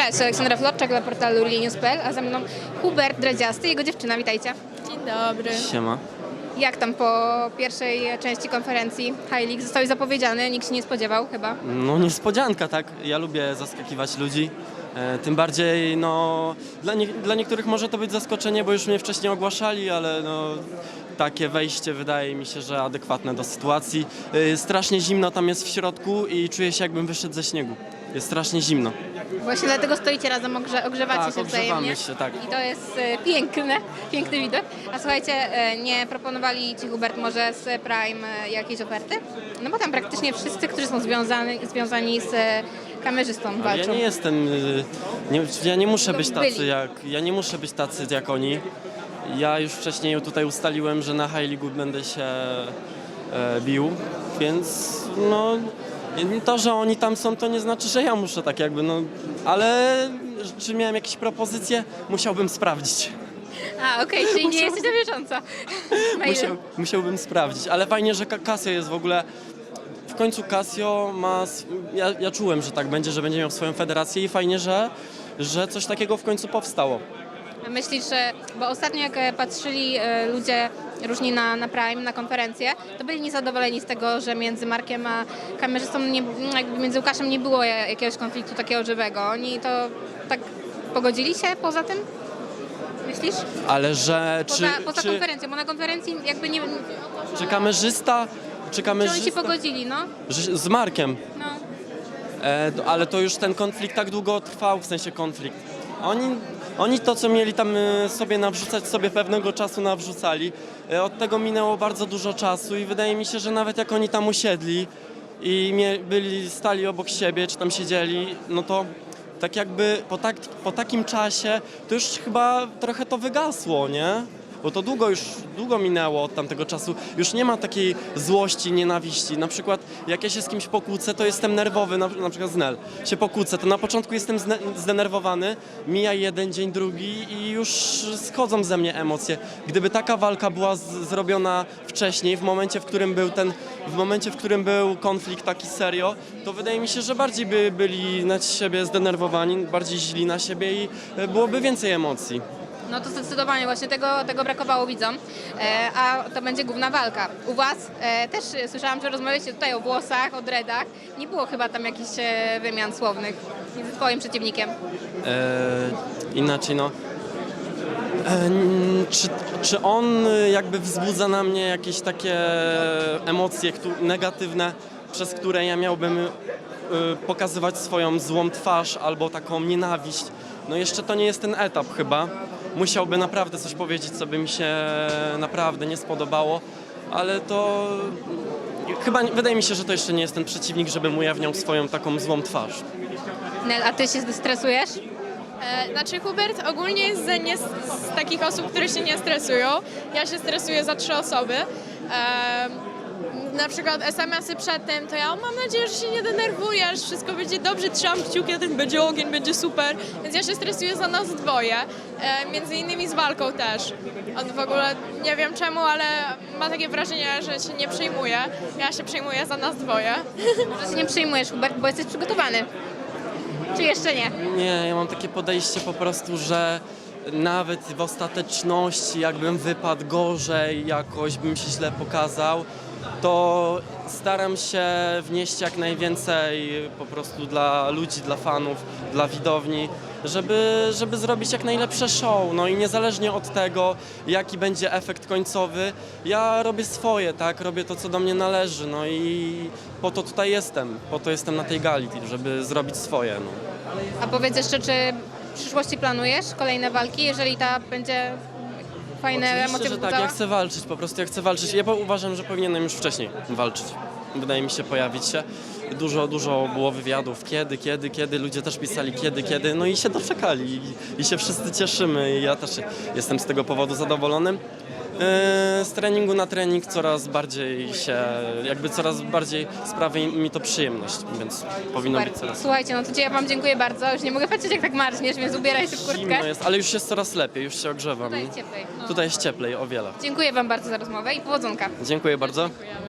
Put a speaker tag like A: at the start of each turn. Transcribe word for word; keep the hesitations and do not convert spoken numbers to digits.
A: Cześć, Aleksandra Florczak dla portalu Linews kropka p l, a ze mną Hubert Dredziasty i jego dziewczyna. Witajcie.
B: Dzień dobry.
C: Siema.
A: Jak tam po pierwszej części konferencji High League? Zostałeś zapowiedziany, nikt się nie spodziewał chyba.
C: No niespodzianka, tak? Ja lubię zaskakiwać ludzi. E, tym bardziej, no, dla, nie, dla niektórych może to być zaskoczenie, bo już mnie wcześniej ogłaszali, ale no, takie wejście wydaje mi się, że adekwatne do sytuacji. E, strasznie zimno tam jest w środku i czuję się, jakbym wyszedł ze śniegu. Jest strasznie zimno.
A: Właśnie dlatego stoicie razem, ogrze ogrzewacie
C: Tak,
A: się
C: ogrzewamy
A: wzajemnie.
C: się, tak.
A: I to jest e, piękne, piękny widok. A słuchajcie, e, nie proponowali Ci, Hubert, może z Prime e, jakiejś oferty? No bo tam praktycznie wszyscy, którzy są związani, związani z e, kamerzystą
C: Ale
A: walczą.
C: ja nie jestem, y, nie, ja nie muszę być tacy
A: Byli.
C: jak, ja nie muszę być tacy jak oni. Ja już wcześniej tutaj ustaliłem, że na High League będę się e, bił, więc no to, że oni tam są, to nie znaczy, że ja muszę tak jakby, no, ale czy miałem jakieś propozycje? Musiałbym sprawdzić.
A: A, okej, czyli nie jesteś na bieżąco. Na ile?
C: Musiał, musiałbym sprawdzić, ale fajnie, że Ka- Casio jest w ogóle. W końcu Casio ma. s- Ja, ja czułem, że tak będzie, że będzie miał swoją federację i fajnie, że, że coś takiego w końcu powstało.
A: A myślisz, że, bo ostatnio jak e, patrzyli e, ludzie różni na, na Prime, na konferencję, to byli niezadowoleni z tego, że między Markiem a kamerzystą, nie, jakby między Łukaszem nie było ja- jakiegoś konfliktu takiego żywego. Oni to tak pogodzili się poza tym? Myślisz?
C: Ale że czy,
A: Poza, poza
C: czy,
A: konferencją, bo na konferencji jakby nie...
C: czy kamerzysta. Czy
A: Czy
C: kamerzysta.
A: oni się pogodzili, no?
C: że- Z Markiem.
A: No.
C: E, d- ale to już ten konflikt tak długo trwał, w sensie konflikt. Oni, oni to, co mieli tam e, sobie nawrzucać, sobie pewnego czasu nawrzucali. E, od tego minęło bardzo dużo czasu i wydaje mi się, że nawet jak oni tam usiedli i mie, byli, stali obok siebie, czy tam siedzieli, no to tak jakby po, tak, po takim czasie to już chyba trochę to wygasło, nie? Bo to długo już, długo minęło od tamtego czasu. Już nie ma takiej złości, nienawiści. Na przykład jak ja się z kimś pokłócę, to jestem nerwowy, na, na przykład z Nel. Się pokłócę, to na początku jestem zne, zdenerwowany, mija jeden dzień, drugi i już schodzą ze mnie emocje. Gdyby taka walka była z, zrobiona wcześniej, w momencie, w którym był ten, w momencie, w którym był konflikt taki serio, to wydaje mi się, że bardziej by byli na siebie zdenerwowani, bardziej źli na siebie i e, byłoby więcej emocji.
A: No to zdecydowanie właśnie tego, tego brakowało widzom, e, a to będzie główna walka. U Was e, też e, słyszałam, że rozmawialiście tutaj o włosach, o dreadach. Nie było chyba tam jakichś e, wymian słownych między Twoim przeciwnikiem.
C: E, inaczej no. E, n- czy, czy on y, jakby wzbudza na mnie jakieś takie emocje któ- negatywne, przez które ja miałbym y, pokazywać swoją złą twarz albo taką nienawiść? No jeszcze to nie jest ten etap chyba. Musiałby naprawdę coś powiedzieć, co by mi się naprawdę nie spodobało, ale to chyba nie- wydaje mi się, że to jeszcze nie jest ten przeciwnik, żebym ujawniał swoją taką złą twarz.
A: Nel, a Ty się stresujesz?
B: E, znaczy Hubert ogólnie jest z, nie, z takich osób, które się nie stresują. Ja się stresuję za trzy osoby. E, na przykład es em esy przedtem, to ja mam nadzieję, że się nie denerwujesz, wszystko będzie dobrze, trzymam kciuki, a ten będzie ogień, będzie super. Więc ja się stresuję za nas dwoje, e, między innymi z walką też. On w ogóle nie wiem czemu, ale ma takie wrażenie, że się nie przejmuje. Ja się przejmuję za nas dwoje.
A: Może się nie przejmujesz, Hubert, bo jesteś przygotowany. Czy jeszcze nie?
C: Nie, ja mam takie podejście po prostu, że nawet w ostateczności, jakbym wypadł gorzej, jakoś bym się źle pokazał, to staram się wnieść jak najwięcej po prostu dla ludzi, dla fanów, dla widowni, żeby, żeby zrobić jak najlepsze show. No i niezależnie od tego, jaki będzie efekt końcowy, ja robię swoje, tak? Robię to, co do mnie należy. No i po to tutaj jestem, po to jestem na tej gali, żeby zrobić swoje. No.
A: A powiedz jeszcze, czy w przyszłości planujesz kolejne walki, jeżeli ta będzie fajne
C: Oczywiście,
A: emocje
C: że tak,
A: wzbudzała?
C: ja chcę walczyć, po prostu ja chcę walczyć. Ja po- uważam, że powinienem już wcześniej walczyć. Wydaje mi się pojawić się. Dużo, dużo było wywiadów, kiedy, kiedy, kiedy, ludzie też pisali kiedy, kiedy, no i się doczekali i, i się wszyscy cieszymy i ja też jestem z tego powodu zadowolony. Yy, z treningu na trening coraz bardziej się, jakby coraz bardziej sprawia mi to przyjemność, więc powinno
A: Super.
C: być coraz
A: Słuchajcie, no to Cię ja Wam dziękuję bardzo. Już nie mogę patrzeć, jak tak marzniesz, więc ubieraj się w kurtkę.
C: zimno jest, ale już jest coraz lepiej, już się ogrzewam.
A: Tutaj jest cieplej. No.
C: Tutaj jest cieplej o wiele.
A: Dziękuję Wam bardzo za rozmowę i powodzonka.
C: Dziękuję bardzo.
B: Dziękujemy.